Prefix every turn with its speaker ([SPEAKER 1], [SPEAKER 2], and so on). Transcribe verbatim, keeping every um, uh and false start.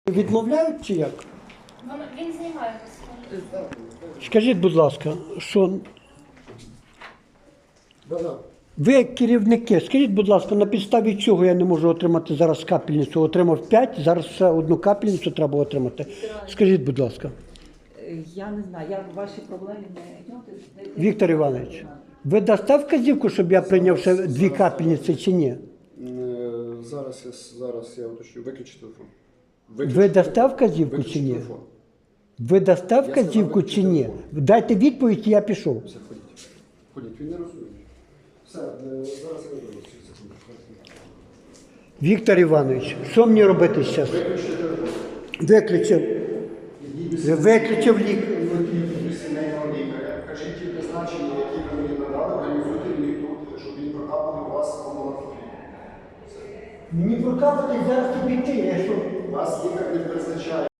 [SPEAKER 1] Відмовляють чи як?
[SPEAKER 2] Воно- Він займається.
[SPEAKER 1] Скажіть, будь ласка, що ви як керівники, скажіть, будь ласка, на підставі чого я не можу отримати зараз капельницю? Отримав п'ять, зараз ще одну капельницю треба отримати. Скажіть, будь ласка.
[SPEAKER 3] Я не знаю, я в ваші проблеми не йду.
[SPEAKER 1] Віктор Іванович, ви дасте вказівку, щоб я прийняв ще дві капельниці чи ні?
[SPEAKER 4] Е, Зараз я, зараз я уточню. Виключи телефон.
[SPEAKER 1] Ви дасте вказівку
[SPEAKER 4] Виключи
[SPEAKER 1] чи ні?
[SPEAKER 4] телефон.
[SPEAKER 1] Ви дасте
[SPEAKER 4] сказав,
[SPEAKER 1] вказівку
[SPEAKER 4] виключи
[SPEAKER 1] чи ні?
[SPEAKER 4] телефон.
[SPEAKER 1] Дайте відповідь, і я пішов.
[SPEAKER 4] Все, ходіть. Ходіть, він не розуміє. Все, е, зараз я виберу ці секунди.
[SPEAKER 1] Віктор Іванович, що мені робити зараз?
[SPEAKER 4] Виключи телефон.
[SPEAKER 1] Виключив. Виключив лік.
[SPEAKER 4] До сімейного лікаря. Кажіть ті призначення, які ви мені надали, організуйте мені тут, щоб він прокапав у вас амбулаторію.
[SPEAKER 1] Мені прокапати зараз тобі йти, я що?
[SPEAKER 4] У вас